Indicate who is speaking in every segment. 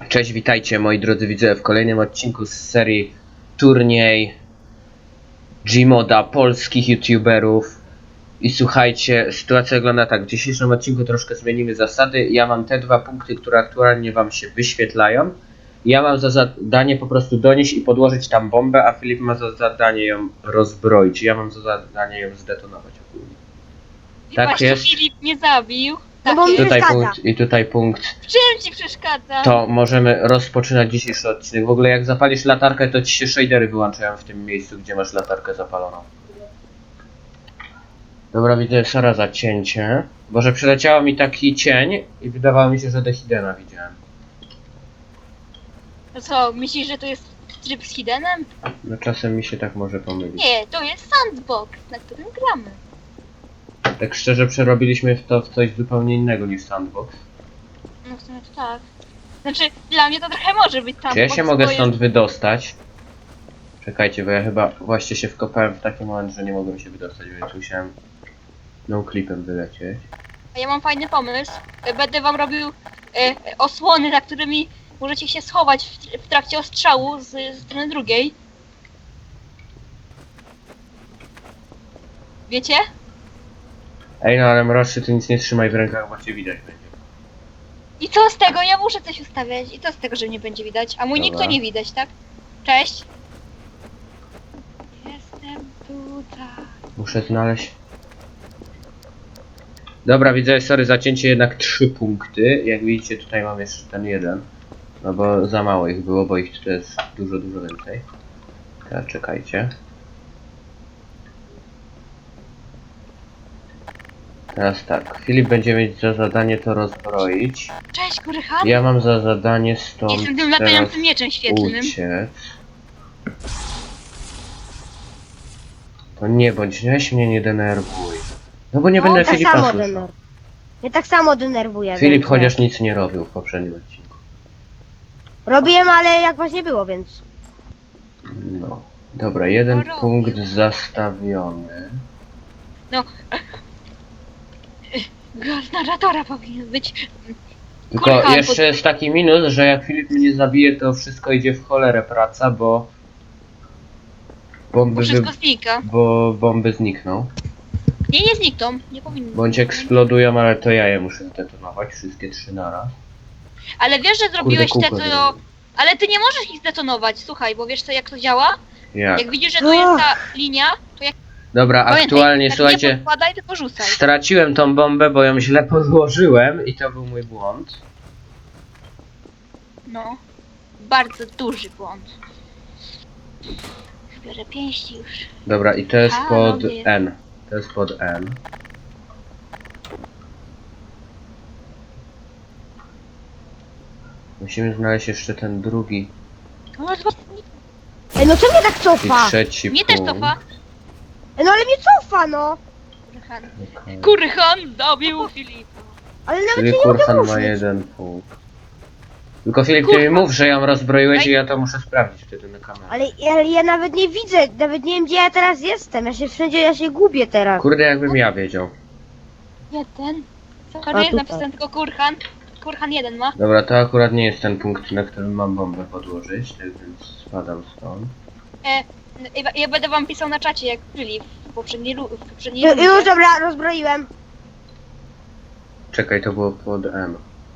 Speaker 1: Cześć, witajcie moi drodzy widzowie w kolejnym odcinku z serii turniej Gmoda polskich youtuberów. I słuchajcie, sytuacja wygląda tak, w dzisiejszym odcinku troszkę zmienimy zasady. Ja mam te dwa punkty, które aktualnie wam się wyświetlają. Ja mam za zadanie po prostu donieść i podłożyć tam bombę, a Filip ma za zadanie ją rozbroić. Ja mam za zadanie ją zdetonować ogólnie.
Speaker 2: I
Speaker 1: Tak
Speaker 2: właśnie
Speaker 1: jest.
Speaker 2: Filip mnie zabił.
Speaker 3: No bo
Speaker 2: Tak jest.
Speaker 1: Tutaj
Speaker 3: przeszkadza.
Speaker 1: punkt i tutaj punkt.
Speaker 2: W czym ci przeszkadza?
Speaker 1: To możemy rozpoczynać dzisiejszy odcinek. W ogóle jak zapalisz latarkę, to ci się shadery wyłączają w tym miejscu, gdzie masz latarkę zapaloną. Dobra, widzę Sara za cięcie. Boże, przyleciało mi taki cień i wydawało mi się, że Dehidena widziałem.
Speaker 2: No co, myślisz, że to jest tryb z Hidenem?
Speaker 1: No czasem mi się tak może pomylić.
Speaker 2: Nie, to jest sandbox, na którym gramy.
Speaker 1: Tak szczerze przerobiliśmy to w coś zupełnie innego niż sandbox.
Speaker 2: No w sumie to tak. Znaczy, dla mnie to trochę może być sandbox.
Speaker 1: Czy ja się mogę
Speaker 2: bo
Speaker 1: stąd wydostać? Czekajcie, bo ja chyba właśnie się wkopałem w taki moment, że nie mogłem się wydostać, więc musiałem no clipem wylecieć.
Speaker 2: A ja mam fajny pomysł. Będę wam robił osłony, za którymi możecie się schować w trakcie ostrzału z strony drugiej. Wiecie?
Speaker 1: Ej, no ale mroczny, ty nic nie trzymaj w rękach, bo cię widać będzie.
Speaker 2: I co z tego? Ja muszę coś ustawiać. I co z tego, że mnie będzie widać? A mój
Speaker 1: Dobra.
Speaker 2: nikto nie widać, tak? Cześć. Jestem tutaj.
Speaker 1: Muszę znaleźć. Dobra, widzę, sorry, zacięcie jednak 3 punkty. Jak widzicie, tutaj mam jeszcze ten jeden. No bo za mało ich było, bo ich tutaj jest dużo, dużo więcej. Teraz czekajcie. Teraz tak, Filip będzie mieć za zadanie to rozbroić.
Speaker 2: Cześć, Kurychan.
Speaker 1: Ja mam za zadanie stąd
Speaker 2: Jestem tym
Speaker 1: teraz
Speaker 2: latającym mieczem świetlnym.
Speaker 1: uciec. To nie bądź, weź mnie nie denerwuj. No bo nie będę
Speaker 3: tak
Speaker 1: Filipa
Speaker 3: samo
Speaker 1: słyszał.
Speaker 3: denerwuję. Mnie tak samo denerwuje.
Speaker 1: Filip
Speaker 3: więc
Speaker 1: chociaż nic nie robił w poprzednim odcinku.
Speaker 3: robiłem, ale jak właśnie było, więc.
Speaker 1: No. Dobra, jeden
Speaker 2: robił.
Speaker 1: punkt zastawiony.
Speaker 2: No. Głos narratora powinien być.
Speaker 1: Tylko
Speaker 2: Kurhan,
Speaker 1: jeszcze jest taki minus, że jak Filip mnie zabije, to wszystko idzie w cholerę praca, bo
Speaker 2: Bo
Speaker 1: bomby,
Speaker 2: wszystko znika.
Speaker 1: bo bomby znikną.
Speaker 2: Nie znikną. Nie powinny.
Speaker 1: Bądź eksplodują, ale to ja je muszę zdetonować, wszystkie 3 naraz.
Speaker 2: Ale wiesz, że zrobiłeś
Speaker 1: kółko
Speaker 2: te, co...
Speaker 1: zrobiłem.
Speaker 2: Ale ty nie możesz ich zdetonować, słuchaj, bo wiesz co, jak to działa?
Speaker 1: Jak?
Speaker 2: Jak widzisz, że tu jest ta linia, to jak...
Speaker 1: Dobra,
Speaker 2: Pamiętaj,
Speaker 1: aktualnie,
Speaker 2: tak
Speaker 1: słuchajcie,
Speaker 2: nie podkładaj, tylko rzucaj.
Speaker 1: straciłem tą bombę, bo ją źle podłożyłem i to był mój błąd.
Speaker 2: No. Bardzo duży błąd. Zbiorę pięści już.
Speaker 1: Dobra, i to jest
Speaker 2: A,
Speaker 1: pod
Speaker 2: no nie.
Speaker 1: N. To jest pod N. Musimy znaleźć jeszcze ten drugi
Speaker 2: No, ale zobacz,
Speaker 3: Ej, no co mnie tak
Speaker 1: i
Speaker 3: cofa?
Speaker 1: trzeci
Speaker 2: mnie też
Speaker 1: punkt.
Speaker 2: cofa.
Speaker 3: Ej, no ale mnie cofa, no.
Speaker 2: Kurhan.
Speaker 1: Okej.
Speaker 2: Kurhan zabił Filipa.
Speaker 3: Ale nawet
Speaker 1: Czyli
Speaker 3: się nie mogę
Speaker 1: Kurhan ma
Speaker 3: ruszyć.
Speaker 1: 1 punkt. Tylko Filip, ty mi
Speaker 2: Kurhan.
Speaker 1: mów, że ją rozbroiłeś i ja to muszę sprawdzić wtedy na kamerze.
Speaker 3: Ale ja nawet nie widzę, nawet nie wiem gdzie ja teraz jestem. Ja się gubię teraz.
Speaker 1: Kurde, jakbym ja wiedział.
Speaker 2: Jeden.
Speaker 3: A,
Speaker 2: Sorry,
Speaker 3: tutaj.
Speaker 2: napisałem tylko Kurhan. Kurhan jeden ma.
Speaker 1: Dobra, to akurat nie jest ten punkt, na którym mam bombę podłożyć, tak więc spadam stąd.
Speaker 2: Ja będę wam pisał na czacie, jak Filip w poprzedniej rundzie.
Speaker 3: Już dobra, rozbroiłem.
Speaker 1: Czekaj, to było pod M.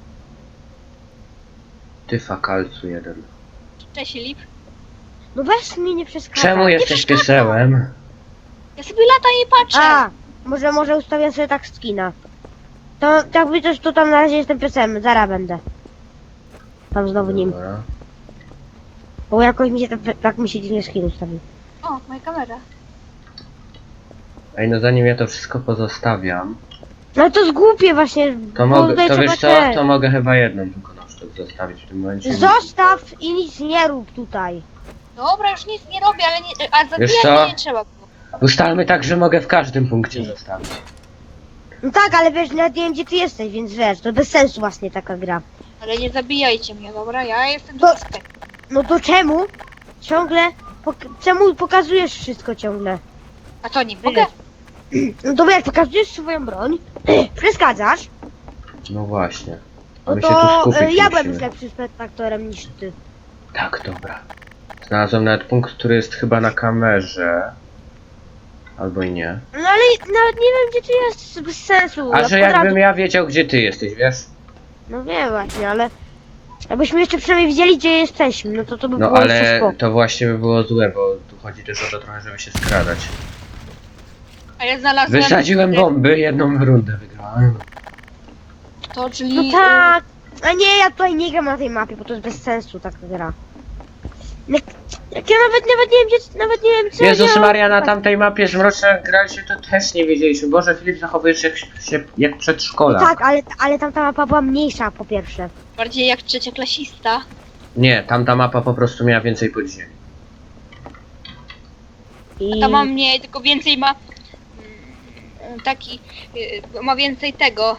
Speaker 1: Tyfa kalcu 1.
Speaker 2: Cześć Filip.
Speaker 3: No weź mi nie przeszkadza.
Speaker 1: Czemu jesteś piesełem?
Speaker 2: Ja sobie latam i patrzę.
Speaker 3: A, może ustawię sobie tak skina. To jakby coś, to tam na razie jestem piesem, zaraz będę. Tam znowu nim.
Speaker 1: Dobra.
Speaker 3: Bo jakoś mi się tak mi się dziwnie skin ustawił.
Speaker 2: O, moja kamera.
Speaker 1: Ej, no zanim ja to wszystko pozostawiam,
Speaker 3: No to zgłupie właśnie.
Speaker 1: to
Speaker 3: bo
Speaker 1: mogę,
Speaker 3: tutaj
Speaker 1: to
Speaker 3: trzeba
Speaker 1: wiesz co,
Speaker 3: te-
Speaker 1: to mogę chyba jedną tylko na sztuk zostawić w tym momencie.
Speaker 3: Zostaw i nic nie rób tutaj.
Speaker 2: Dobra, już nic nie robię, ale nie... A
Speaker 1: Wiesz
Speaker 2: zabijać
Speaker 1: co?
Speaker 2: to nie trzeba było.
Speaker 1: Ustalmy tak, że mogę w każdym punkcie zostawić.
Speaker 3: No tak, ale wiesz, nawet nie wiem gdzie ty jesteś, więc wiesz, to bez sensu właśnie taka gra.
Speaker 2: Ale nie zabijajcie mnie, dobra? Ja jestem
Speaker 3: To-
Speaker 2: suspekt.
Speaker 3: No to czemu? Ciągle? Czemu pokazujesz wszystko ciągle?
Speaker 2: A to nie mogę?
Speaker 3: No to jak pokazujesz swoją broń, przeszkadzasz,
Speaker 1: No właśnie.
Speaker 3: No
Speaker 1: My się tu
Speaker 3: to
Speaker 1: skupić
Speaker 3: ja byłem
Speaker 1: musimy.
Speaker 3: już lepszy spektatorem niż ty.
Speaker 1: Tak, dobra. Znalazłem nawet punkt, który jest chyba na kamerze. Albo i nie.
Speaker 3: No ale nawet nie wiem gdzie ty jest, bez sensu.
Speaker 1: A
Speaker 3: Ja
Speaker 1: że
Speaker 3: kwadratu-
Speaker 1: jakbym ja wiedział, gdzie ty jesteś, wiesz?
Speaker 3: No wiem właśnie, ale... Jakbyśmy jeszcze przynajmniej wiedzieli gdzie jesteśmy, no to by
Speaker 1: No
Speaker 3: było jeszcze
Speaker 1: ale
Speaker 3: spoko.
Speaker 1: to właśnie by było złe, bo tu chodzi też o to trochę, żeby się skradać.
Speaker 2: A ja znalazłem...
Speaker 1: Wysadziłem bomby, jedną rundę wygrałem.
Speaker 2: To, czyli...
Speaker 3: No tak! A nie, ja tutaj nie gram na tej mapie, bo to jest bez sensu taka gra. Jak ja nawet nie wiem gdzie, nawet nie wiem co
Speaker 1: Jezus
Speaker 3: ja...
Speaker 1: Maria, na tamtej mapie z Mroczna graliśmy, to też nie wiedzieliśmy. Boże, Filip, zachowujesz się jak przedszkolak.
Speaker 3: No tak, ale tamta mapa była mniejsza po pierwsze.
Speaker 2: Bardziej jak trzecioklasista.
Speaker 1: Nie, tamta mapa po prostu miała więcej podziemi.
Speaker 3: I...
Speaker 2: Ta ma mniej, tylko więcej ma... taki... ma więcej tego...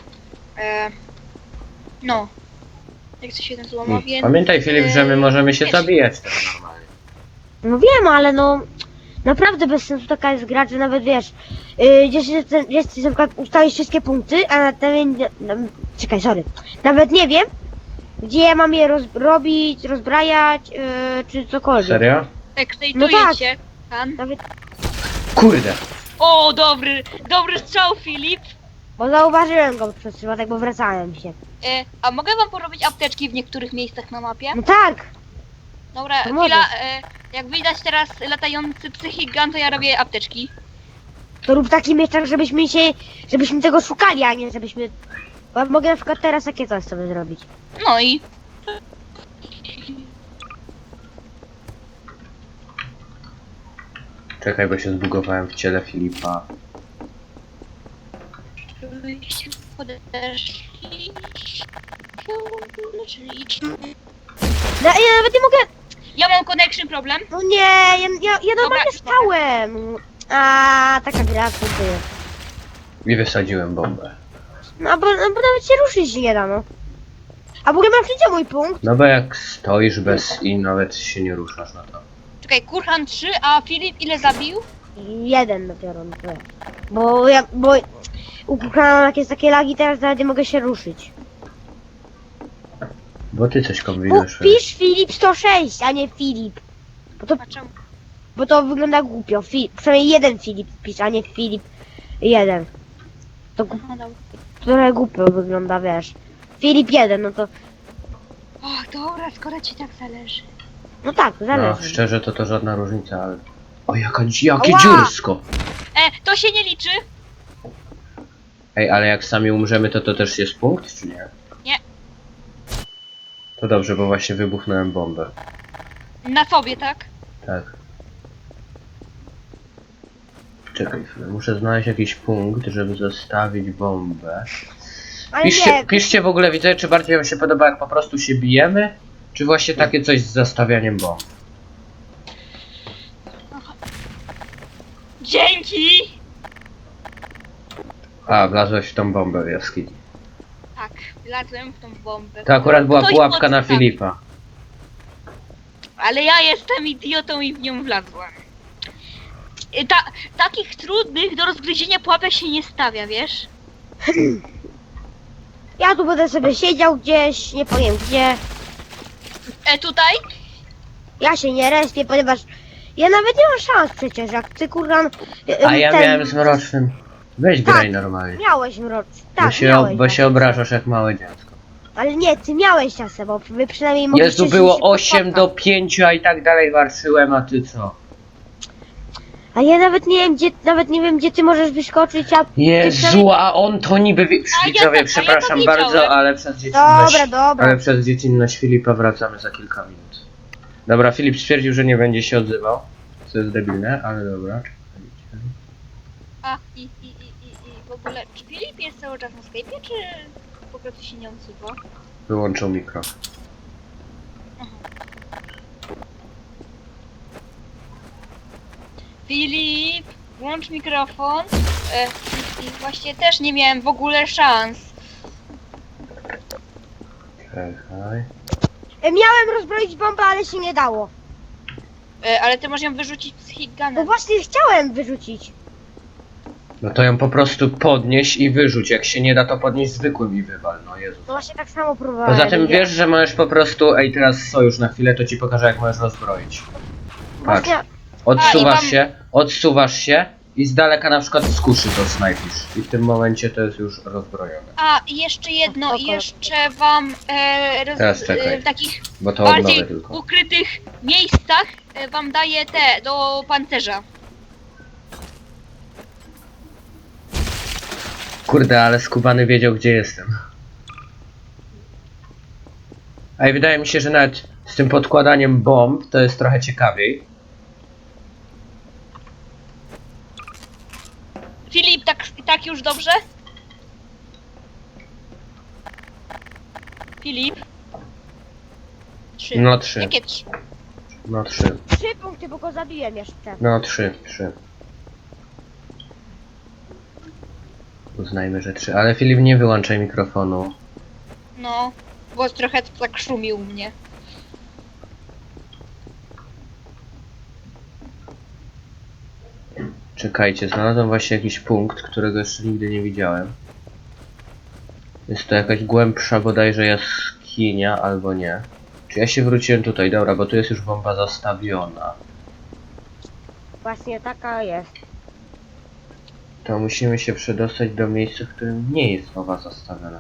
Speaker 2: no. Jak to się nazywa? Ma więcej...
Speaker 1: Pamiętaj, Filip, że my możemy się
Speaker 2: wiesz.
Speaker 1: zabijać też normalnie.
Speaker 3: No wiem, ale no... Naprawdę bez sensu taka jest gra, że nawet wiesz... gdzieś na przykład ustalisz wszystkie punkty, a czekaj, sorry. Nawet nie wiem, gdzie ja mam je robić, rozbrajać, czy cokolwiek.
Speaker 1: Serio?
Speaker 2: Ekstejtujecie. Pan.
Speaker 3: Nawet...
Speaker 1: Kurde!
Speaker 2: O, dobry strzał, Filip.
Speaker 3: Bo zauważyłem go przez przypadek, bo wracałem się.
Speaker 2: A mogę wam porobić apteczki w niektórych miejscach na mapie?
Speaker 3: No tak!
Speaker 2: Dobra,
Speaker 3: To
Speaker 2: chwila,
Speaker 3: możesz.
Speaker 2: jak widać teraz latający psychigan, to ja robię apteczki.
Speaker 3: To rób taki mieczak, żebyśmy tego szukali, a nie żebyśmy... Bo ja mogę na przykład teraz takie coś sobie zrobić.
Speaker 2: No i...
Speaker 1: Czekaj, bo się zbugowałem w ciele Filipa.
Speaker 2: Żebyście podeszli... Czyli...
Speaker 3: No, ja nawet nie mogę...
Speaker 2: Ja mam connection problem.
Speaker 3: No nie, ja normalnie stałem. A taka gra, co ty.
Speaker 1: I wysadziłem bombę.
Speaker 3: No bo nawet się ruszyć nie da, no. A w ogóle masz gdzie mój punkt?
Speaker 1: No bo jak stoisz bez i nawet się nie ruszasz na to.
Speaker 2: Czekaj, Kurhan 3, a Filip ile zabił?
Speaker 3: Jeden dopiero, no to jest. Bo u Kukrana jak jest takie lagi, teraz nawet nie mogę się ruszyć.
Speaker 1: Bo ty coś kombinujesz.
Speaker 3: Pisz Filip 106, a nie Filip.
Speaker 2: A czemu?
Speaker 3: Bo to wygląda głupio. Przynajmniej jeden Filip pisz, a nie Filip 1. To
Speaker 2: No dobra.
Speaker 3: trochę głupio wygląda, wiesz. Filip 1, no to...
Speaker 2: Och, dobra, skoro ci tak zależy.
Speaker 3: No tak,
Speaker 1: No,
Speaker 3: zależy.
Speaker 1: szczerze to żadna różnica, ale... O, jakie
Speaker 3: Ała!
Speaker 1: dziursko!
Speaker 2: To się nie liczy.
Speaker 1: Ej, ale jak sami umrzemy, to też jest punkt, czy nie?
Speaker 2: Nie.
Speaker 1: To dobrze, bo właśnie wybuchnąłem bombę.
Speaker 2: Na sobie, tak?
Speaker 1: Tak. Czekaj chwilę, muszę znaleźć jakiś punkt, żeby zostawić bombę.
Speaker 3: Ale nie,
Speaker 1: Piszcie w ogóle, widzę, czy bardziej wam się podoba, jak po prostu się bijemy, czy właśnie takie coś z zastawianiem bomb.
Speaker 2: Dzięki!
Speaker 1: A, wlazłeś w tą bombę w jaskini.
Speaker 2: Tak, wlazłem w tą bombę.
Speaker 1: To akurat była
Speaker 2: Ktoś
Speaker 1: pułapka na
Speaker 2: podstawił.
Speaker 1: Filipa.
Speaker 2: Ale ja jestem idiotą i w nią wlazłem. Takich trudnych do rozgryzienia pułapek się nie stawia, wiesz?
Speaker 3: ja tu będę sobie siedział gdzieś, nie powiem gdzie.
Speaker 2: Tutaj?
Speaker 3: Ja się nie respię, ponieważ ja nawet nie mam szans przecież, jak ty kurwa...
Speaker 1: A ja miałem z Mrocznym. Weź graj normalnie.
Speaker 3: Miałeś mrocz. Tak, miałeś.
Speaker 1: Bo się obrażasz jak małe dziecko.
Speaker 3: Ale nie, ty miałeś czasem, bo wy przynajmniej mogliście...
Speaker 1: Jezu, było
Speaker 3: się
Speaker 1: 8 do
Speaker 3: spotkać.
Speaker 1: 5, a i tak dalej walczyłem, a ty co?
Speaker 3: A ja nawet nie wiem gdzie ty możesz wyskoczyć, a...
Speaker 1: Jezu, a on to niby...
Speaker 2: A ja
Speaker 1: Widzowie,
Speaker 2: to
Speaker 1: przepraszam
Speaker 2: widziałem.
Speaker 1: bardzo, ale przez dziecinność...
Speaker 3: Dobra.
Speaker 1: Ale przez dziecinność Filipa wracamy za kilka minut. Dobra, Filip stwierdził, że nie będzie się odzywał. Co jest debilne, ale dobra.
Speaker 2: A, i w ogóle, czy Filip jest cały czas na Skype'ie, czy po prostu się nie odzywa?
Speaker 1: Wyłączył mikro.
Speaker 2: Filip, włącz mikrofon. I właśnie też nie miałem w ogóle szans.
Speaker 1: Czekaj.
Speaker 3: Miałem rozbroić bombę, ale się nie dało.
Speaker 2: Ale ty możesz ją wyrzucić z
Speaker 3: No
Speaker 2: hitgunem.
Speaker 3: właśnie chciałem wyrzucić.
Speaker 1: No to ją po prostu podnieś i wyrzuć. Jak się nie da, to podnieś zwykłym i wywal. No Jezus.
Speaker 3: No właśnie tak samo próbowałem.
Speaker 1: Poza tym
Speaker 3: nie.
Speaker 1: wiesz, że możesz po prostu... Ej, teraz sojusz na chwilę, to ci pokażę, jak możesz rozbroić. Patrz.
Speaker 3: Właśnie,
Speaker 1: Odsuwasz się i z daleka na przykład z kuszy to snajpisz. I w tym momencie to jest już rozbrojone.
Speaker 2: A, i jeszcze jedno,
Speaker 3: Spoko.
Speaker 2: jeszcze wam
Speaker 1: Teraz czekaj.
Speaker 2: w takich
Speaker 1: Bo to
Speaker 2: bardziej
Speaker 1: odnowię tylko.
Speaker 2: ukrytych miejscach wam daję te do pancerza.
Speaker 1: Kurde, ale skubany wiedział, gdzie jestem. A i wydaje mi się, że nawet z tym podkładaniem bomb to jest trochę ciekawiej.
Speaker 2: Filip, tak już dobrze? Filip? 3.
Speaker 1: No 3.
Speaker 2: Jakie 3?
Speaker 1: No 3.
Speaker 3: 3 punkty, bo go zabiłem jeszcze.
Speaker 1: No 3. Uznajmy, że 3. Ale Filip, nie wyłączaj mikrofonu.
Speaker 2: No, bo trochę tak szumił mnie.
Speaker 1: Czekajcie, znalazłem właśnie jakiś punkt, którego jeszcze nigdy nie widziałem. Jest to jakaś głębsza bodajże jaskinia, albo nie. Czy ja się wróciłem tutaj? Dobra, bo tu jest już bomba zastawiona.
Speaker 3: Właśnie taka jest.
Speaker 1: To musimy się przedostać do miejsca, w którym nie jest bomba zastawiona.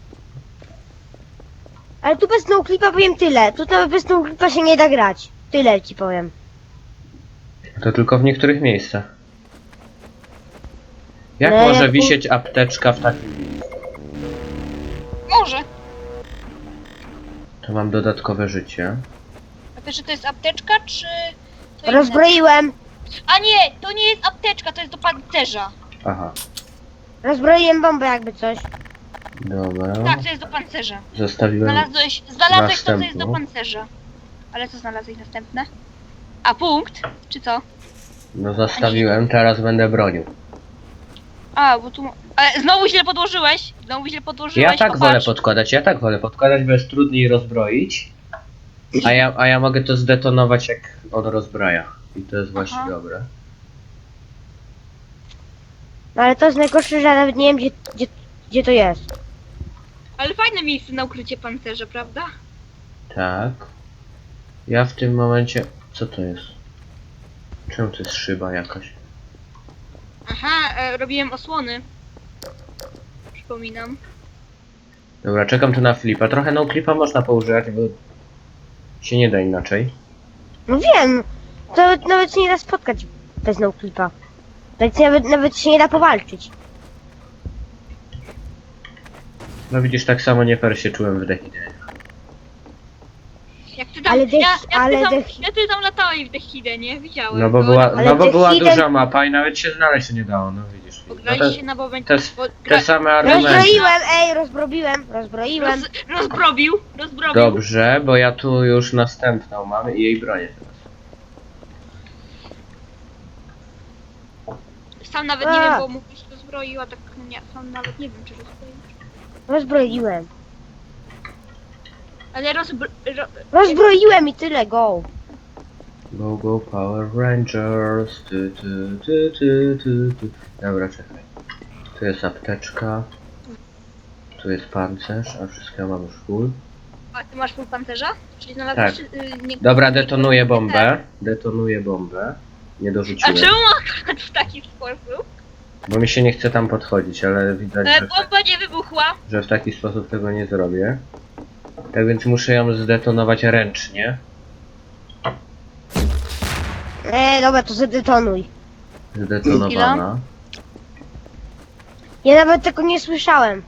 Speaker 3: Ale tu bez noclipa powiem tyle. Tu nawet bez noclipa się nie da grać. Tyle ci powiem.
Speaker 1: To tylko w niektórych miejscach. Jak
Speaker 3: No,
Speaker 1: może
Speaker 3: jak
Speaker 1: wisieć apteczka w takim miejscu?
Speaker 2: Może.
Speaker 1: To mam dodatkowe życie.
Speaker 2: A wiesz, że to jest apteczka, czy... to inne?
Speaker 3: Rozbroiłem.
Speaker 2: A nie, to nie jest apteczka, to jest do pancerza.
Speaker 1: Aha,
Speaker 3: Rozbroiłem bombę jakby coś.
Speaker 1: dobra.
Speaker 2: Tak, to jest do pancerza.
Speaker 1: Zostawiłem.
Speaker 2: Znalazłeś to, co jest do
Speaker 1: Następną.
Speaker 2: pancerza. Ale co znalazłeś następne? A punkt? Czy co?
Speaker 1: No zostawiłem, teraz będę bronił.
Speaker 2: A, bo tu... Ale znowu źle podłożyłeś. Znowu źle podłożyłeś.
Speaker 1: Ja tak
Speaker 2: popatrz.
Speaker 1: wolę podkładać, bo jest trudniej rozbroić. A ja mogę to zdetonować, jak on rozbraja. I to jest właśnie
Speaker 2: Aha.
Speaker 1: dobre.
Speaker 3: No ale to jest najgorsze, że ja nawet nie wiem gdzie to jest.
Speaker 2: Ale fajne miejsce na ukrycie pancerza, prawda?
Speaker 1: Tak. Ja w tym momencie... Co to jest? Czemu to jest szyba jakaś?
Speaker 2: Aha, robiłem osłony. Przypominam.
Speaker 1: Dobra, czekam tu na flipa. Trochę no clipa można poużywać, bo się nie da inaczej.
Speaker 3: No wiem. To nawet się nie da spotkać bez noclipa. Nawet się nie da powalczyć.
Speaker 1: No widzisz, tak samo nie fair się czułem w Dehidzie.
Speaker 2: Jak ty tam,
Speaker 3: Ale
Speaker 2: jak ty tam latałeś w Dechidę, nie? Widziałem.
Speaker 1: No bo
Speaker 2: to
Speaker 1: była,
Speaker 2: na-
Speaker 1: no bo była
Speaker 3: Dehiden-
Speaker 1: duża mapa i nawet się znaleźć się nie dało, no widzisz. No
Speaker 2: Graliście na momencie.
Speaker 1: te same argumenty.
Speaker 3: Rozbroiłem.
Speaker 2: Rozbrobił.
Speaker 1: Dobrze, bo ja tu już następną mam i jej bronię teraz.
Speaker 2: Sam nawet nie wiem, bo mówisz, że rozbroił, a tak nie, sam nawet nie wiem, czy rozbroił.
Speaker 3: Rozbroiłem.
Speaker 2: Ale
Speaker 3: Rozbroiłem i tyle, go.
Speaker 1: Go, go, Power Rangers. Tu. Dobra, czekaj. Tu jest apteczka. Tu jest pancerz, a wszystko mam już full.
Speaker 2: A ty masz full pancerza? Czyli znalazłeś...
Speaker 1: Tak.
Speaker 2: Nie...
Speaker 1: Dobra, detonuję bombę. Detonuję bombę. Nie
Speaker 2: A
Speaker 1: dorzuciłem.
Speaker 2: czemu akurat w taki sposób?
Speaker 1: Bo mi się nie chce tam podchodzić, ale widać,
Speaker 2: Bomba nie wybuchła.
Speaker 1: że w taki sposób tego nie zrobię. Tak więc muszę ją zdetonować ręcznie.
Speaker 3: Dobra, to zdetonuj.
Speaker 1: Zdetonowana.
Speaker 3: Ja nawet tego nie słyszałem.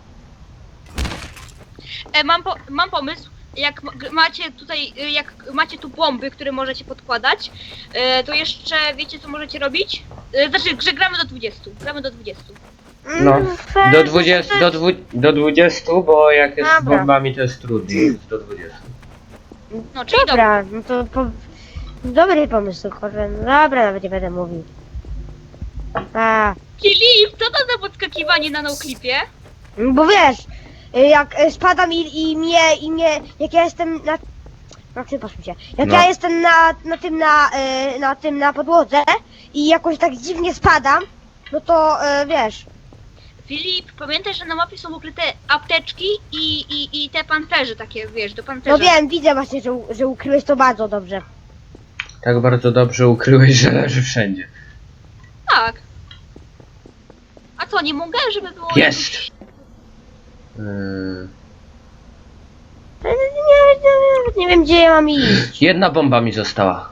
Speaker 2: Mam pomysł. Jak macie tutaj, jak macie tu bomby, które możecie podkładać, to jeszcze wiecie, co możecie robić? Znaczy, że gramy do 20. Gramy do 20.
Speaker 1: No,
Speaker 3: Fair.
Speaker 1: do 20, bo jak jest z
Speaker 3: Dobra.
Speaker 1: bombami to jest trudniej, więc do 20.
Speaker 2: No, czyli dobra.
Speaker 3: Dobra, no to dobry pomysł, kurwa. No dobra, nawet nie będę mówił.
Speaker 2: Filip, co to za podskakiwanie na noclipie?
Speaker 3: Bo wiesz, jak spadam i mnie, jak ja jestem na... No przepraszam cię. Jak
Speaker 1: No.
Speaker 3: ja jestem na tym na podłodze i jakoś tak dziwnie spadam, no to wiesz.
Speaker 2: Filip, pamiętaj, że na mapie są ukryte apteczki i te pancerze takie, wiesz, do pancerza.
Speaker 3: No wiem, widzę właśnie, że ukryłeś to bardzo dobrze.
Speaker 1: Tak bardzo dobrze ukryłeś, że leży wszędzie.
Speaker 2: Tak. A co, nie mogę, żeby było...
Speaker 1: Jest!
Speaker 3: Nie wiem, gdzie ja mam iść.
Speaker 1: Jedna bomba mi została.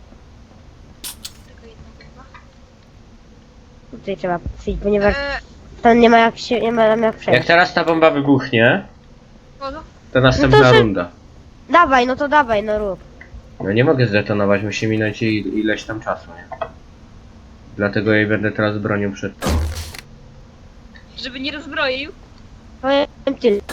Speaker 2: Tylko jedna bomba.
Speaker 3: Tutaj trzeba przyjść, ponieważ tam nie ma jak się, nie ma tam jak
Speaker 1: Jak
Speaker 3: przejść.
Speaker 1: teraz ta bomba wybuchnie,
Speaker 2: Kogo?
Speaker 1: to następna
Speaker 3: No to się-
Speaker 1: runda.
Speaker 3: Dawaj, no to dawaj, no rób.
Speaker 1: No nie mogę zdetonować, musi minąć ileś tam czasu, nie? Dlatego jej będę teraz bronił przed tobą.
Speaker 2: Żeby nie rozbroił.
Speaker 3: Powiem tyle.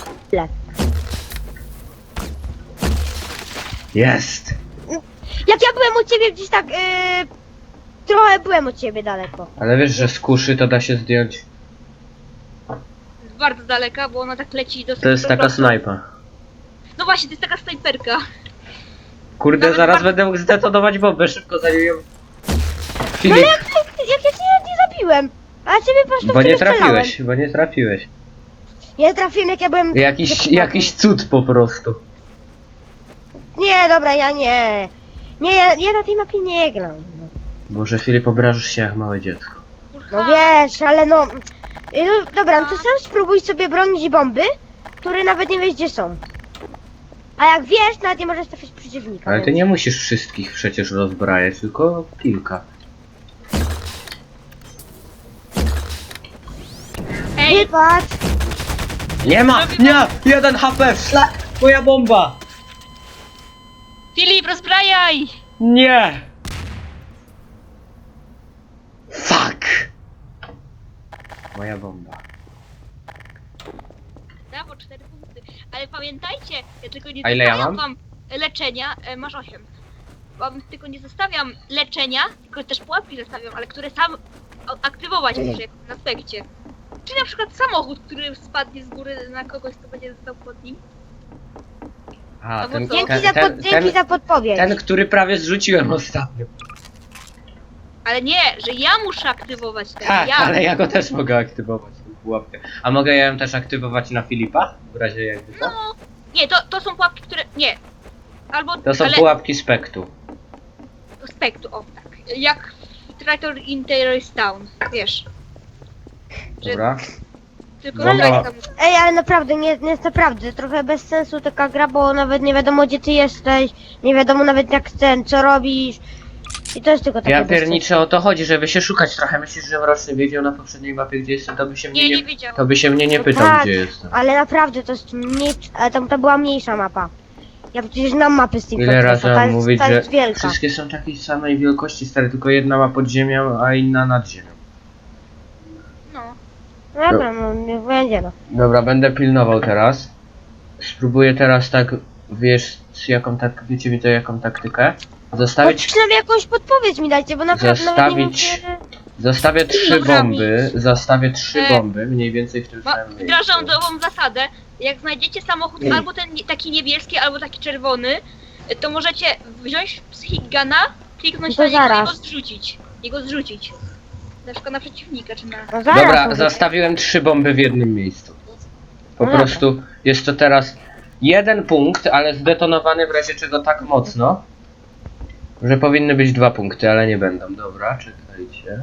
Speaker 1: Jest!
Speaker 3: Jak ja byłem u ciebie gdzieś tak, trochę byłem od ciebie daleko.
Speaker 1: Ale wiesz, że z kuszy to da się zdjąć.
Speaker 2: Jest bardzo daleka, bo ona tak leci dosyć
Speaker 1: To jest taka
Speaker 2: prosto.
Speaker 1: snajpa.
Speaker 2: No właśnie, to jest taka snajperka.
Speaker 1: Kurde,
Speaker 2: Nawet
Speaker 1: zaraz
Speaker 2: bardzo-
Speaker 1: będę mógł zdetonować bombę, szybko zanim ją...
Speaker 3: No
Speaker 1: Filip,
Speaker 3: jak ja cię nie zabiłem. A ja ciebie po prostu
Speaker 1: bo
Speaker 3: w ciebie
Speaker 1: nie
Speaker 3: strzelałem.
Speaker 1: trafiłeś, bo nie trafiłeś.
Speaker 3: Ja trafiłem jak ja byłem...
Speaker 1: Jakiś cud po prostu.
Speaker 3: Nie, dobra, ja nie. Nie, ja na tej mapie nie gram.
Speaker 1: Boże, Filip, obrażasz się jak małe dziecko.
Speaker 3: No wiesz, ale no... no dobra, no to sam spróbuj sobie bronić bomby, które nawet nie wiesz gdzie są. A jak wiesz, nawet nie możesz trafić przeciwnika.
Speaker 1: Ale ty
Speaker 3: więc-
Speaker 1: nie musisz wszystkich przecież rozbrajać, tylko kilka.
Speaker 2: Ej,
Speaker 3: Wybacz.
Speaker 1: Nie ma! Nie! 1 HP! Szlak! Moja bomba!
Speaker 2: Filip, rozbrajaj!
Speaker 1: Nie! Fuck! Moja bomba.
Speaker 2: Brawo, 4 punkty. Ale pamiętajcie, ja tylko nie
Speaker 1: A ile ja
Speaker 2: zostawiam
Speaker 1: mam?
Speaker 2: wam leczenia, masz 8. Wam tylko nie zostawiam leczenia, tylko też pułapki zostawiam, ale które sam aktywować muszę jak na aspekcie. Czy na przykład samochód, który spadnie z góry na kogoś, kto będzie został pod nim.
Speaker 1: A,
Speaker 2: No bo
Speaker 1: ten,
Speaker 2: co?
Speaker 3: Dzięki za podpowiedź.
Speaker 1: ten, który prawie zrzuciłem ostatnio.
Speaker 2: Ale nie, że ja muszę aktywować ten,
Speaker 1: Tak,
Speaker 2: ja.
Speaker 1: ale ja go też mogę aktywować, tę pułapkę. A mogę ją też aktywować na Filipa? W razie jakby co?
Speaker 2: No, nie, to są pułapki, które, nie. Albo,
Speaker 1: To są
Speaker 2: ale,
Speaker 1: pułapki Spektu.
Speaker 2: Spektru, o tak. Jak w Traitor in Terrorist Town, wiesz. Że
Speaker 1: Dobra.
Speaker 2: tylko
Speaker 1: Bomba-
Speaker 2: strajk tam.
Speaker 3: Ej, ale naprawdę, nie jest naprawdę trochę bez sensu taka gra, bo nawet nie wiadomo gdzie ty jesteś, nie wiadomo nawet jak ten, co robisz. I to jest tylko takie
Speaker 1: Ja
Speaker 3: bez sensu.
Speaker 1: pierniczę, o to chodzi, żeby się szukać trochę. Myślisz, że Mroczny wiedział na poprzedniej mapie gdzie jestem, to by się mnie
Speaker 2: Nie,
Speaker 1: nie,
Speaker 2: nie wiedział.
Speaker 1: to by się mnie nie
Speaker 3: No
Speaker 1: pytał
Speaker 3: tak,
Speaker 1: gdzie jestem.
Speaker 3: Ale naprawdę to jest mniej, ale tam to była mniejsza mapa. Ja przecież znam mapy z Team
Speaker 1: Ile razy
Speaker 3: ta
Speaker 1: mam
Speaker 3: jest,
Speaker 1: mówić,
Speaker 3: ta
Speaker 1: że
Speaker 3: jest wielka.
Speaker 1: wszystkie są takiej samej wielkości, stary, tylko jedna ma pod ziemią, a inna nad ziemią.
Speaker 2: No.
Speaker 3: Dobra, no niech będzie no.
Speaker 1: Dobra, będę pilnował teraz. Spróbuję teraz tak, wiesz, wiecie mi to jaką taktykę? Zostawić,
Speaker 3: Przynajmniej jakąś podpowiedź mi dajcie, bo naprawdę nawet nie wiem,
Speaker 1: Zostawić-
Speaker 3: czy...
Speaker 1: zostawię 3
Speaker 2: Kilogramami.
Speaker 1: bomby, zostawię 3
Speaker 2: E,
Speaker 1: bomby, mniej więcej w tym
Speaker 2: Ma,
Speaker 1: samym
Speaker 2: wdrażam
Speaker 1: miejscu.
Speaker 2: nową zasadę. Jak znajdziecie samochód albo ten taki niebieski, albo taki czerwony, to możecie wziąć psychic guna, kliknąć
Speaker 3: To
Speaker 2: na niego
Speaker 3: zaraz.
Speaker 2: i go zrzucić. I go zrzucić. Na przykład na przeciwnika, czy na...
Speaker 3: No zaraz
Speaker 1: Dobra,
Speaker 3: mówię.
Speaker 1: zostawiłem 3 bomby w jednym miejscu. Po
Speaker 3: No
Speaker 1: prostu jest to teraz 1 punkt, ale zdetonowany w razie czego tak mocno, że powinny być 2 punkty, ale nie będą. Dobra, czekajcie.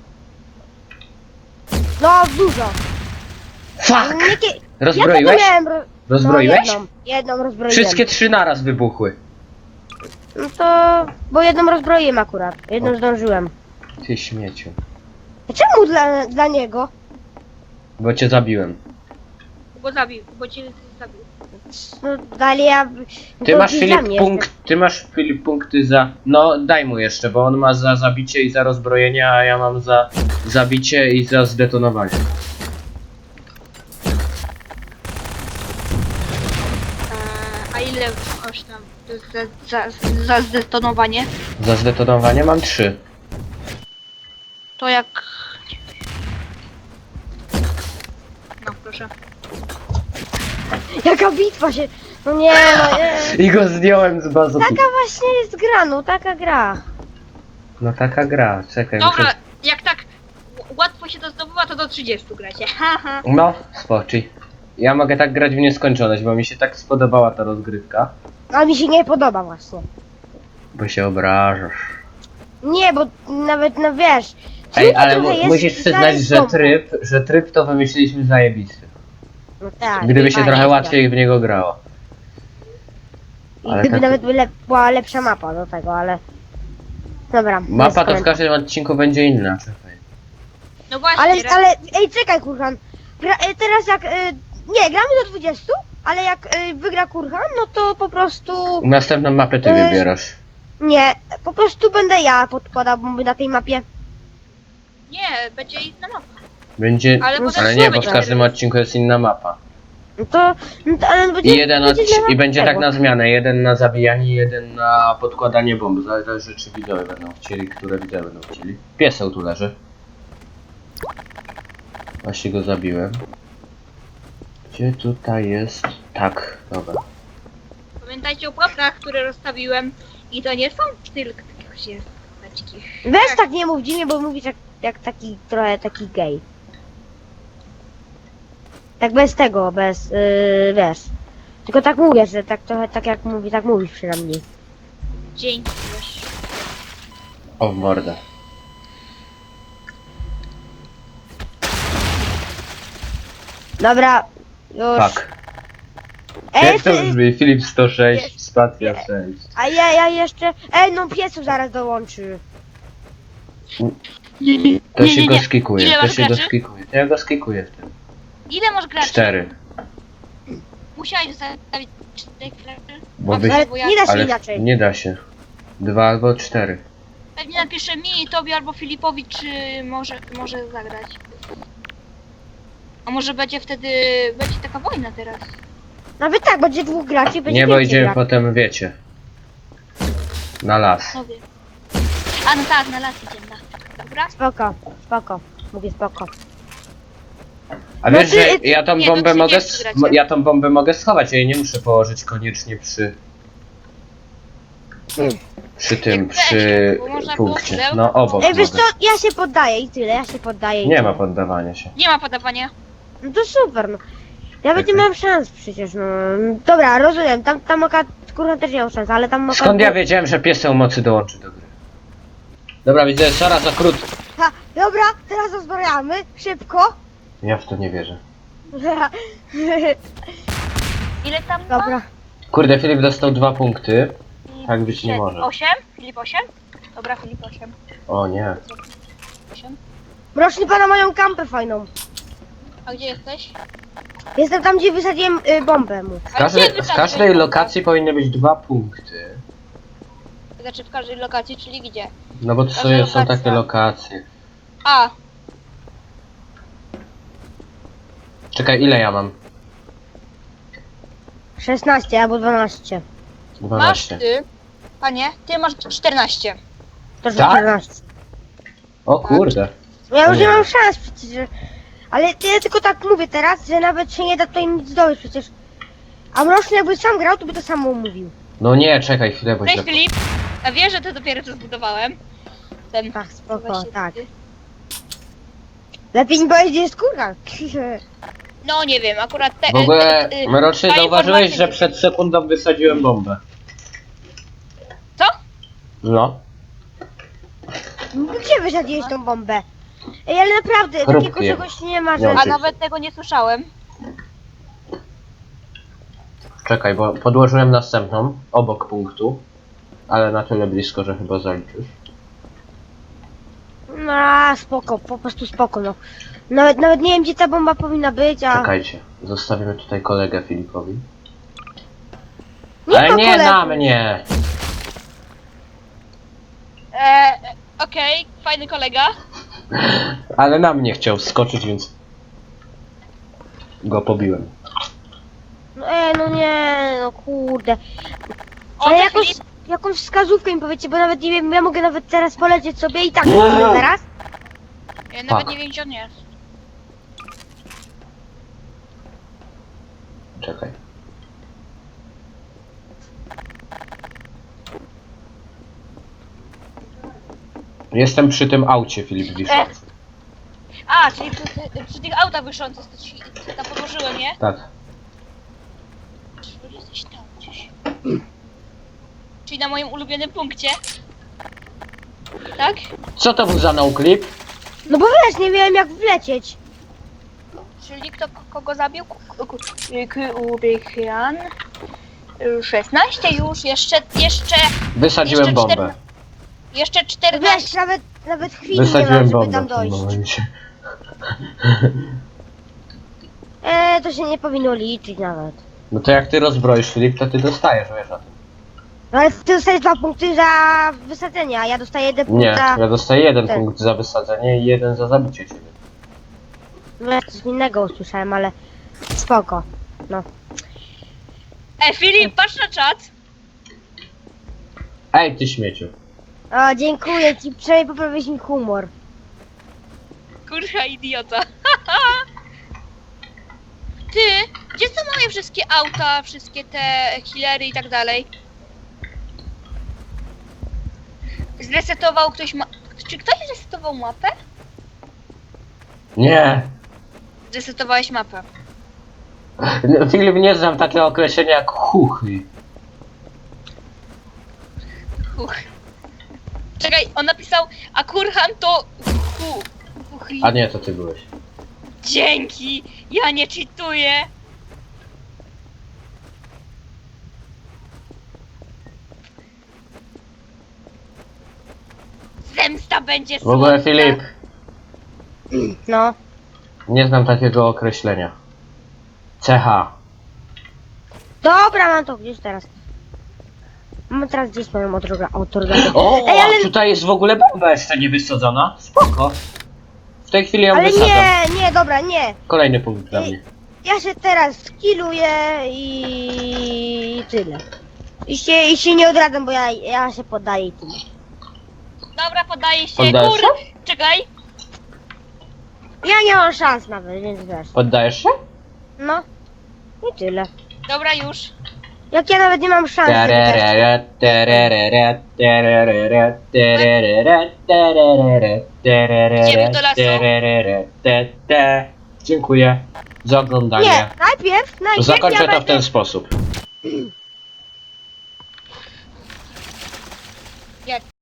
Speaker 3: No dużo.
Speaker 1: Fuck!
Speaker 3: Ja to
Speaker 1: Rozbroiłeś?
Speaker 3: miałem...
Speaker 1: Rozbroiłeś?
Speaker 3: No, jedną rozbroiłem.
Speaker 1: Wszystkie 3 naraz wybuchły.
Speaker 3: No to... bo jedną rozbroiłem akurat. Jedną zdążyłem.
Speaker 1: Ty śmieciu.
Speaker 3: A czemu dla niego?
Speaker 1: Bo cię zabiłem.
Speaker 2: Bo zabił, bo cię zabił.
Speaker 3: No dalej ja...
Speaker 1: Ty
Speaker 3: to
Speaker 1: masz
Speaker 3: dla
Speaker 1: Filip
Speaker 3: mnie
Speaker 1: punkt, ty masz Filip punkty za... No daj mu jeszcze, bo on ma za zabicie i za rozbrojenie, a ja mam za zabicie i za zdetonowanie.
Speaker 2: A ile masz tam za zdetonowanie?
Speaker 1: Za zdetonowanie mam 3.
Speaker 2: To jak... No proszę.
Speaker 3: Jaka bitwa się... No nie, no nie.
Speaker 1: I go zdjąłem z bazu.
Speaker 3: Taka właśnie jest gra, no taka gra.
Speaker 1: No taka gra, czekaj,
Speaker 2: Dobra,
Speaker 1: muszę...
Speaker 2: jak tak łatwo wam się to zdobywa, to do 30 gracie. Haha.
Speaker 1: No, spoczy. Ja mogę tak grać w nieskończoność, bo mi się tak spodobała ta rozgrywka.
Speaker 3: A mi się nie podoba właśnie.
Speaker 1: Bo się obrażasz.
Speaker 3: Nie, bo nawet, no wiesz...
Speaker 1: Ej,
Speaker 3: trudno
Speaker 1: ale
Speaker 3: trochę jest
Speaker 1: musisz przyznać,
Speaker 3: znaleźć
Speaker 1: że
Speaker 3: bombę.
Speaker 1: tryb to wymyśliliśmy zajebisty.
Speaker 3: No tak.
Speaker 1: Gdyby się
Speaker 3: fajnie,
Speaker 1: trochę
Speaker 3: tak.
Speaker 1: łatwiej w niego grało.
Speaker 3: I
Speaker 1: ale
Speaker 3: gdyby
Speaker 1: tak-
Speaker 3: nawet była lepsza mapa do tego, ale... Dobra. nie
Speaker 1: Mapa to w
Speaker 3: skończę.
Speaker 1: każdym odcinku będzie inna, czekaj.
Speaker 2: No właśnie,
Speaker 3: Ale, ej, czekaj, Kurhan. Teraz jak, nie, gramy do 20, ale jak wygra Kurhan, no to po prostu,
Speaker 1: Następną mapę ty wybierasz.
Speaker 3: nie, po prostu będę ja podkładał bomby na tej mapie.
Speaker 2: nie, będzie inna mapa.
Speaker 1: Będzie...
Speaker 2: Ale
Speaker 3: No
Speaker 2: potem
Speaker 1: Ale
Speaker 2: znowu
Speaker 1: nie, bo w
Speaker 2: będzie
Speaker 1: każdym
Speaker 2: teraz.
Speaker 1: odcinku jest inna mapa.
Speaker 3: No to ale będzie,
Speaker 1: I będzie tak
Speaker 3: tego.
Speaker 1: na zmianę. Jeden na zabijanie, jeden na podkładanie bomb. Zależy czy widzowie będą chcieli, które widzowie będą chcieli. Pieseł tu leży. Właśnie go zabiłem. Gdzie tutaj jest? Tak, dobra.
Speaker 2: Pamiętajcie o pułapkach, które rozstawiłem. I to nie są tylko takie się paczki.
Speaker 3: Weź tak nie mów dziwnie, bo mówisz jak taki, trochę taki gej. Tak bez tego, bez, wiesz. Tylko tak mówię, że tak trochę tak jak mówi, tak mówisz przynajmniej.
Speaker 2: Dzięki też.
Speaker 1: O, w mordę.
Speaker 3: Dobra, już.
Speaker 1: Tak.
Speaker 3: Ej,
Speaker 1: Jak to brzmi? Filip 106, spacja 6.
Speaker 3: a ja jeszcze, no piesu zaraz dołączy.
Speaker 1: To się go skikuje,
Speaker 2: Ile
Speaker 1: to
Speaker 2: masz
Speaker 1: się go
Speaker 2: graczy?
Speaker 1: skikuje. To ja go skikuję w tym.
Speaker 2: Ile masz graczy?
Speaker 1: 4.
Speaker 2: Musiałeś zostawić 4 graczy?
Speaker 1: Bo
Speaker 2: Dobrze,
Speaker 1: wy...
Speaker 3: Ale
Speaker 2: bo ja
Speaker 3: nie da się
Speaker 1: Ale
Speaker 3: inaczej.
Speaker 1: nie da się. 2 albo 4.
Speaker 2: pewnie napiszę mi, tobie albo Filipowi, czy może zagrać. A może będzie wtedy, będzie taka wojna teraz.
Speaker 3: Nawet tak, będzie dwóch graczy, będzie
Speaker 1: Nie, bo
Speaker 3: więcej
Speaker 1: idziemy
Speaker 3: graczy.
Speaker 1: potem, wiecie. Na las.
Speaker 2: No wiem. A no tak, na las idziemy, na. Dobra?
Speaker 3: Spoko, spoko. Mówię spoko.
Speaker 1: A
Speaker 3: No
Speaker 1: wiesz,
Speaker 3: ty-
Speaker 1: że ja tą
Speaker 2: nie, to
Speaker 1: bombę mogę...
Speaker 2: 30 gracie.
Speaker 1: Ja tą bombę mogę schować, ja jej nie muszę położyć koniecznie przy tym,
Speaker 2: Jak
Speaker 1: przy
Speaker 2: weź, bo można było
Speaker 1: punkcie.
Speaker 2: pudełko
Speaker 1: No obok
Speaker 3: Ej, wiesz co,
Speaker 1: mogę.
Speaker 3: ja się poddaję i tyle, ja się poddaję i
Speaker 1: Nie
Speaker 3: tyle.
Speaker 1: ma poddawania się.
Speaker 2: Nie ma podawania.
Speaker 3: No to super, no. Ja nawet nie
Speaker 1: Czekaj.
Speaker 3: miałem szans przecież, no. Dobra, rozumiem, tam oka, kurwa też nie miał szans, ale tam oka...
Speaker 1: Skąd ja wiedziałem, że pieseł mocy dołączy do gry? Dobra, widzę, Sara za krótko.
Speaker 3: Ha, dobra, teraz rozmawiamy, szybko.
Speaker 1: Ja w to nie wierzę.
Speaker 2: Ile tam ma?
Speaker 3: Dobra.
Speaker 1: Kurde, Filip dostał 2 punkty. Tak być nie może.
Speaker 2: 8? Filip 8? Dobra, Filip 8.
Speaker 1: O nie.
Speaker 2: 8.
Speaker 3: Mroczny pana mają kampę fajną.
Speaker 2: A gdzie jesteś?
Speaker 3: Jestem tam, gdzie wysadziłem bombę mu.
Speaker 1: W każdej lokacji powinny być 2 punkty.
Speaker 2: Znaczy w każdej lokacji, czyli gdzie?
Speaker 1: No bo to
Speaker 2: Każda
Speaker 1: są
Speaker 2: lokacja.
Speaker 1: takie lokacje.
Speaker 2: A,
Speaker 1: Czekaj, ile ja mam?
Speaker 3: 16 albo 12.
Speaker 2: masz
Speaker 1: 12.
Speaker 2: ty. Panie, ty masz 14.
Speaker 3: To że
Speaker 1: Tak?
Speaker 3: 14.
Speaker 1: O kurde.
Speaker 3: Ja już
Speaker 1: Nie.
Speaker 3: nie mam szans przecież. Ale ja tylko tak mówię teraz, że nawet się nie da tutaj nic zdobyć przecież. A Mroczny jakby sam grał, to by to samo mówił.
Speaker 1: No nie, czekaj chwilę, bo
Speaker 2: Cześć
Speaker 1: źle...
Speaker 2: Filip. Ja wiesz, że to dopiero co zbudowałem. Ten.
Speaker 3: Tak, spoko,
Speaker 2: właśnie
Speaker 3: tak.
Speaker 2: ty.
Speaker 3: Lepiej mi powiedzieć, gdzie jest kurwa.
Speaker 2: No nie wiem, akurat te.
Speaker 1: W ogóle, Mroczny,
Speaker 2: ta
Speaker 1: zauważyłeś,
Speaker 2: informacja-
Speaker 1: że przed sekundą wysadziłem bombę.
Speaker 2: Co?
Speaker 1: No.
Speaker 3: Gdzie wysadziłeś tą bombę? Ej, ale naprawdę,
Speaker 1: Chrupnie.
Speaker 3: takiego czegoś nie ma,
Speaker 1: Nie
Speaker 3: że...
Speaker 1: mam
Speaker 2: A
Speaker 1: Ty-
Speaker 2: nawet tego nie słyszałem.
Speaker 1: Czekaj, bo podłożyłem następną, obok punktu. Ale na tyle blisko, że chyba zaliczysz.
Speaker 3: No, spoko, po prostu spoko, no. Nawet nie wiem, gdzie ta bomba powinna być, a...
Speaker 1: Czekajcie, zostawimy tutaj kolegę Filipowi.
Speaker 3: Nie
Speaker 1: Ale
Speaker 3: ma
Speaker 1: nie
Speaker 3: kolegów.
Speaker 1: na mnie!
Speaker 2: Okej, fajny kolega.
Speaker 1: Ale na mnie chciał skoczyć, więc... Go pobiłem.
Speaker 3: No, no nie, no kurde.
Speaker 2: O,
Speaker 3: Ale
Speaker 2: cześć, Filip.
Speaker 3: jakąś wskazówkę mi powiecie, bo nawet nie wiem, ja mogę nawet teraz polecieć sobie i tak
Speaker 1: Nie.
Speaker 3: teraz.
Speaker 2: Ja nawet
Speaker 1: Tak.
Speaker 2: nie wiem, gdzie on jest.
Speaker 1: Czekaj. Jestem przy tym aucie, Filip wiszący.
Speaker 2: A, A, czyli przy tych autach wyszących to ci tam podłożyłem, nie?
Speaker 1: Tak.
Speaker 2: Czy jesteś tam gdzieś? Czyli na moim ulubionym punkcie. Tak?
Speaker 1: Co to był za noclip?
Speaker 3: No bo wiesz, nie wiem jak wlecieć.
Speaker 2: Czyli kto kogo zabił? Kubikian. 16 już, jeszcze
Speaker 1: Wysadziłem
Speaker 2: Jeszcze
Speaker 1: bombę.
Speaker 2: jeszcze 14.
Speaker 3: Wiesz, nawet chwili nie mam,
Speaker 1: Wysadziłem
Speaker 3: żeby
Speaker 1: bombę
Speaker 3: tam
Speaker 1: w tym
Speaker 3: dojść.
Speaker 1: momencie.
Speaker 3: To się nie powinno liczyć nawet.
Speaker 1: No to jak ty rozbroisz Filip, to ty dostajesz, wiesz o tym.
Speaker 3: No ale ty dostajesz 2 punkty za wysadzenie, a ja dostaję 1 punkt
Speaker 1: Nie,
Speaker 3: za...
Speaker 1: ja dostaję 1
Speaker 3: Tak.
Speaker 1: punkt za wysadzenie i 1 za zabicie ciebie.
Speaker 3: No ja coś innego usłyszałem, ale spoko. No.
Speaker 2: Filip, patrz na czat.
Speaker 1: Ej, ty śmieciu.
Speaker 3: O, dziękuję ci, przynajmniej poprawiłeś mi humor.
Speaker 2: Kurwa idiota. Ty, gdzie są moje wszystkie auta, wszystkie te healery i tak dalej? Zresetował ktoś Czy ktoś zresetował mapę?
Speaker 1: Nie.
Speaker 2: Zresetowałeś mapę.
Speaker 1: No, Filip, nie znam takiego określenia jak chuchy.
Speaker 2: Huch. Czekaj, on napisał, a kurhan to huch.
Speaker 1: A nie, to ty byłeś.
Speaker 2: Dzięki, ja nie cheatuję. Zemsta będzie
Speaker 1: W ogóle
Speaker 2: słodka.
Speaker 1: Filip,
Speaker 3: No.
Speaker 1: nie znam takiego określenia. CH.
Speaker 3: Dobra, mam to gdzieś teraz. Mam teraz gdzieś moją otorgatę.
Speaker 1: O,
Speaker 3: Ej, ale...
Speaker 1: a tutaj jest w ogóle bomba jeszcze nie wysadzona. Spoko. W tej chwili ją
Speaker 3: Ale
Speaker 1: wysadzam.
Speaker 3: nie, dobra, nie.
Speaker 1: Kolejny punkt dla mnie.
Speaker 3: Ja się teraz skilluję i tyle. I się nie odradzam, bo ja się poddaję i tyle.
Speaker 2: Dobra, podaję się.
Speaker 1: Poddajesz
Speaker 2: Kur...
Speaker 1: się?
Speaker 2: Czekaj.
Speaker 3: Ja nie mam szans nawet, więc wiesz.
Speaker 1: Poddajesz się?
Speaker 3: No. I tyle.
Speaker 2: Dobra, już.
Speaker 3: Jak ja nawet nie mam szans. żeby też-
Speaker 1: Tererere, tererere, tererere, tererere, tererere, tererere,
Speaker 2: Idziemy do lasu?
Speaker 1: tererere, te. Dziękuję za oglądanie.
Speaker 3: Nie, najpierw
Speaker 1: Zakończę
Speaker 3: ja
Speaker 1: to w ten
Speaker 3: będę...
Speaker 1: sposób.